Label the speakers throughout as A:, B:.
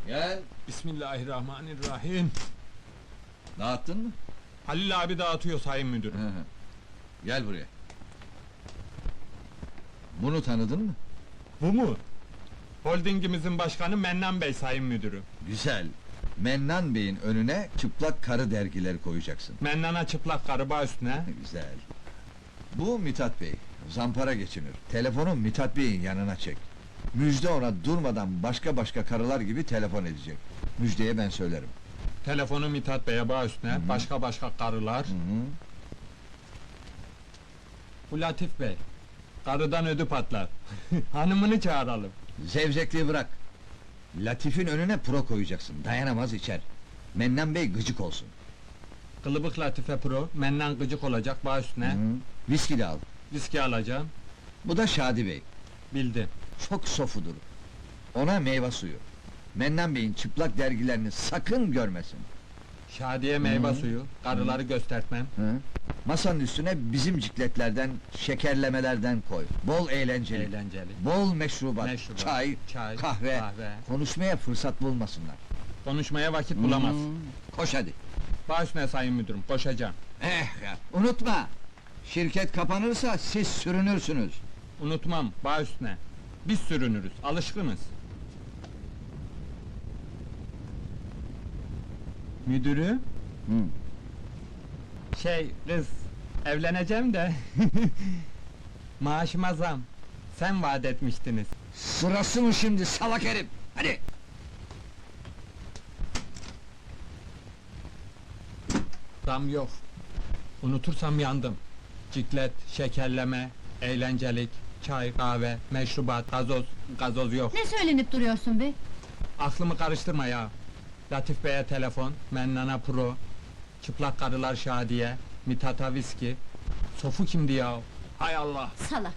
A: Gel.
B: Bismillahirrahmanirrahim.
A: Dağıttın mı?
B: Halil abi dağıtıyor sayın müdürüm.
A: Hı hı. Gel buraya. Bunu tanıdın mı?
B: Bu mu? Holdingimizin başkanı Mennan Bey sayın müdürüm.
A: Güzel. Mennan Bey'in önüne çıplak karı dergileri koyacaksın.
B: Mennan'a çıplak karıba üstüne.
A: Güzel. Bu Mithat Bey. Zampara geçinir. Telefonu Mithat Bey'in yanına çek. Müjde ona durmadan başka karılar gibi telefon edecek. Müjdeye ben söylerim.
B: Telefonu Mithat Bey'e bağ üstüne,
A: Hı.
B: başka karılar.
A: Hı hı.
B: Bu Latif Bey, karıdan ödü patlar. Hanımını çağıralım.
A: Zevzekliği bırak. Latif'in önüne pro koyacaksın. Dayanamaz içer. Mennan Bey gıcık olsun.
B: Kılıbık Latife Pro, Mennan gıcık olacak bağ üstüne.
A: Hı. Viski de al.
B: Viski alacağım.
A: Bu da Şadi Bey.
B: Bildim.
A: Çok sofudur. Ona meyve suyu. Mennan Bey'in çıplak dergilerini sakın görmesin.
B: Şadiye meyve
A: Hı.
B: suyu, karıları göstertmem.
A: Hı? Masanın üstüne bizim cikletlerden, şekerlemelerden koy. Bol eğlenceli.
B: Eğlenceli.
A: Bol meşrubat,
B: Meşrubat,
A: çay, kahve. Konuşmaya fırsat bulmasınlar.
B: Konuşmaya vakit bulamaz.
A: Koş hadi.
B: Bağ üstüne sayın müdürüm, koşacağım.
A: Unutma! Şirket kapanırsa siz sürünürsünüz.
B: Unutmam, bağ üstüne. Biz sürünürüz, alışkınız. Müdürü?
A: Hı.
B: Kız, evleneceğim de... Maaşıma zam. Sen vaat etmiştiniz.
A: Sırası mı şimdi salak herif? Hadi!
B: Zam yok. Unutursam yandım. Ciklet, şekerleme, eğlencelik, çay, kahve, meşrubat, gazoz yok.
C: Ne söylenip duruyorsun be?
B: Aklımı karıştırma ya. Latif Bey'e telefon, Mennan'a pro, çıplak karılar Şadiye, Mithat'a viski. Sofu kimdi ya? Hay Allah!
C: Salak!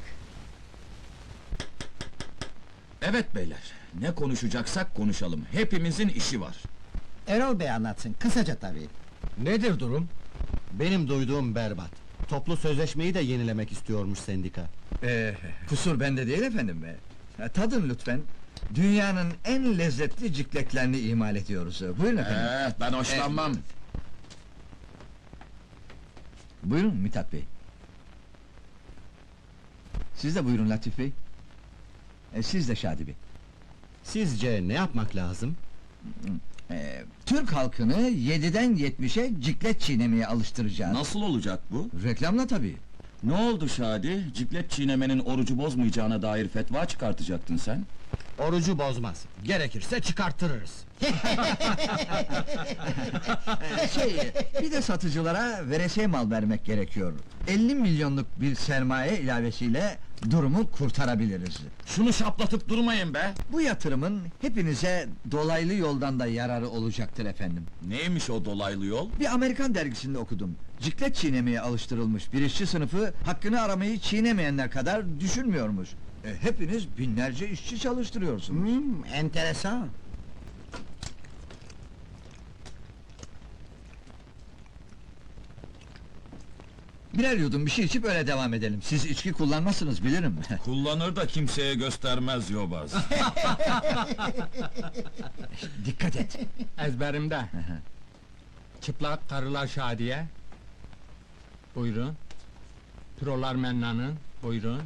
D: Evet beyler, ne konuşacaksak konuşalım. Hepimizin işi var.
E: Erol Bey anlatsın, kısaca tabii.
F: Nedir durum?
E: Benim duyduğum berbat. Toplu sözleşmeyi de yenilemek istiyormuş sendika.
A: Kusur bende değil efendim be. Tadın lütfen. Dünyanın en lezzetli cikletlerini imal ediyoruz. Buyurun efendim.
D: Ben hoşlanmam.
A: Buyurun Mithat Bey. Siz de buyurun Latif Bey. Siz de Şadi Bey.
E: Sizce ne yapmak lazım?
A: Türk halkını 7'den 70'e ciklet çiğnemeye alıştıracağız.
D: Nasıl olacak bu?
A: Reklamla tabii.
D: Ne oldu Şadi? Ciklet çiğnemenin orucu bozmayacağına dair fetva çıkartacaktın sen.
E: Orucu bozmaz. Gerekirse çıkarttırırız.
A: Bir de satıcılara veresiye mal vermek gerekiyor. 50 milyonluk bir sermaye ilavesiyle durumu kurtarabiliriz.
D: Şunu şaplatıp durmayın be!
A: Bu yatırımın hepinize dolaylı yoldan da yararı olacaktır efendim.
D: Neymiş o dolaylı yol?
A: Bir Amerikan dergisinde okudum. Ciklet çiğnemeye alıştırılmış bir işçi sınıfı hakkını aramayı çiğnemeyenler kadar düşünmüyormuş. Hepiniz binlerce işçi çalıştırıyorsunuz.
E: Enteresan.
A: Birer yudum bir şey içip öyle devam edelim. Siz içki kullanmazsınız bilirim.
D: Kullanır da kimseye göstermez yobaz.
A: Dikkat et.
B: Ezberimde. Çıplak karılar Şadiye. Buyurun. Prolar Mennan'ın. Buyurun.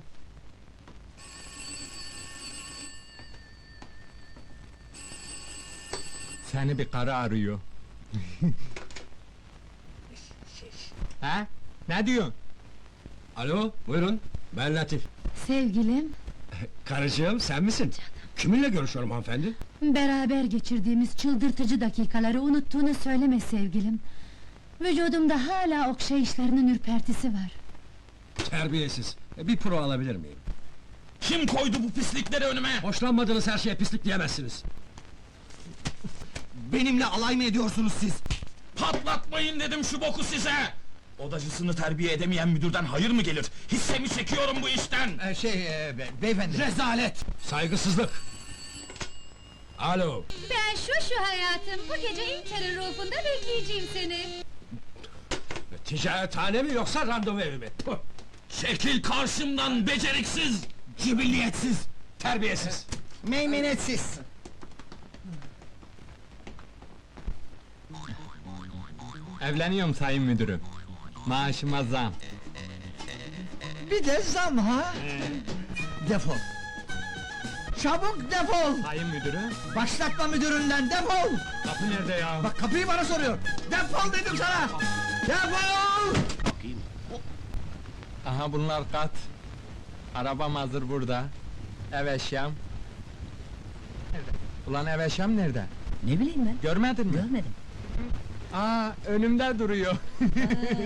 B: Seni bir karı arıyor. Ha? Ne diyorsun?
F: Alo, buyurun. Ben Latif.
C: Sevgilim,
F: Karıcığım, sen misin? Kiminle görüşüyorum hanımefendi?
C: beraber geçirdiğimiz çıldırtıcı dakikaları unuttuğunu söyleme sevgilim. Vücudumda hala okşayışlarının ürpertisi var.
F: Terbiyesiz. Bir pro alabilir miyim?
D: Kim koydu bu pislikleri önüme?
F: Hoşlanmadığınız her şeye pislik diyemezsiniz.
E: Benimle alay mı ediyorsunuz siz?
D: Patlatmayın dedim şu boku size! Odacısını terbiye edemeyen müdürden hayır mı gelir? Hissemi çekiyorum bu işten!
A: Beyefendi.
E: Rezalet!
F: Saygısızlık! Alo!
C: Ben şu hayatım, bu gece Inter'in rufunda bekleyeceğim seni.
F: Ticarethane mi yoksa randevu evi mi? Puh!
D: Çekil karşımdan beceriksiz!
F: Cibilliyetsiz! Terbiyesiz!
E: Meymenetsiz!
B: Evleniyorum sayın müdürüm. Maaşıma zam.
A: Bir de zam ha? Defol! Çabuk defol!
B: Sayın müdürüm,
A: Başlatma müdüründen, defol!
B: kapı nerede ya?
A: Bak kapıyı bana soruyor! Defol dedim sana! Defol!
B: Aha bunlar kat. Arabam hazır burada. Ev eşyam. Ulan ev eşyam nerede?
G: Ne bileyim ben,
B: Görmedin mi?
G: görmedim.
B: Aa, önümde duruyor.